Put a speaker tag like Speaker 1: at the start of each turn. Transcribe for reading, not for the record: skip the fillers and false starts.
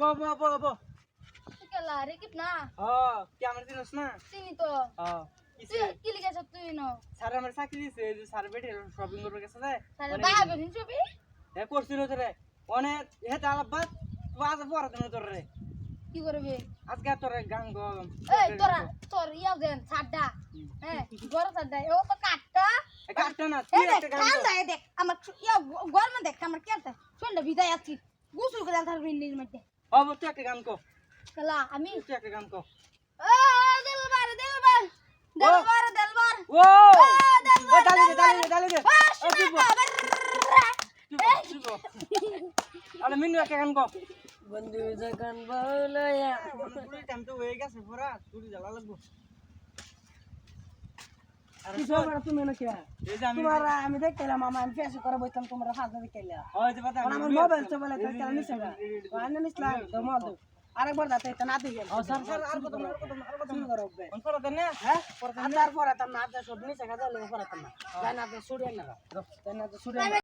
Speaker 1: अब
Speaker 2: केला रे कितना
Speaker 1: क्या আমার চিনস না
Speaker 2: চিনি তো
Speaker 1: কিসে
Speaker 2: কি লিখেছ তুই ন
Speaker 1: স্যার আমার চাকরি দিছে যে স্যার বেটে শপিং করবে গেছে যায়
Speaker 2: তাহলে বাবা বেশি ছবি
Speaker 1: এ করছিল তো রে অনেক হেটা আলাবাদ তুই আজ পড়াতে না তোর রে
Speaker 2: কি করবে
Speaker 1: আজকে তোর গান গো
Speaker 2: এই তোর ইয়াও দেন ছাড়ডা হ্যাঁ গর ছাড়ডা ও তো কাটটা
Speaker 1: কাটটা না তুই একটা গান
Speaker 2: কান দাই দেখ আমার ইয়া গর মে দেখ আমার কেতে শুনলে বিদায় আছি গোসল করে তার বিন্দির মধ্যে
Speaker 1: अब তুই একটা গান কো
Speaker 2: কেলা আমি
Speaker 1: তুই একটা গান কো
Speaker 2: ও দিলবার
Speaker 1: ও ডালি দে আরে মিনু একটা গান কো
Speaker 2: বন্ধু যখন বলয়া
Speaker 1: পুরো টাইম তো হয়ে গেছে পুরা তুই জ্বালা লাগবো
Speaker 3: আরে তোমরা তুমি না কি
Speaker 1: এই যে
Speaker 3: তোমরা আমি দেখলাম মামা আমি ফেস করে বইতাম তোমরা ফাজা দেখলা
Speaker 1: ওই যে কথা
Speaker 3: আমার মোবাইল তো বলে তো কেন নিছে না আনে নিছলা তো মল দো আরেকবার দাতে এটা না দিই
Speaker 1: স্যার স্যার আর কত
Speaker 3: শুরু করো বে
Speaker 1: কোন পড়া দেন না
Speaker 3: হ্যাঁ তারপরে তার না সব নিছে কাজে লাগে পড়াতাম না জানা তো ছুড়ে না জানা তো ছুড়ে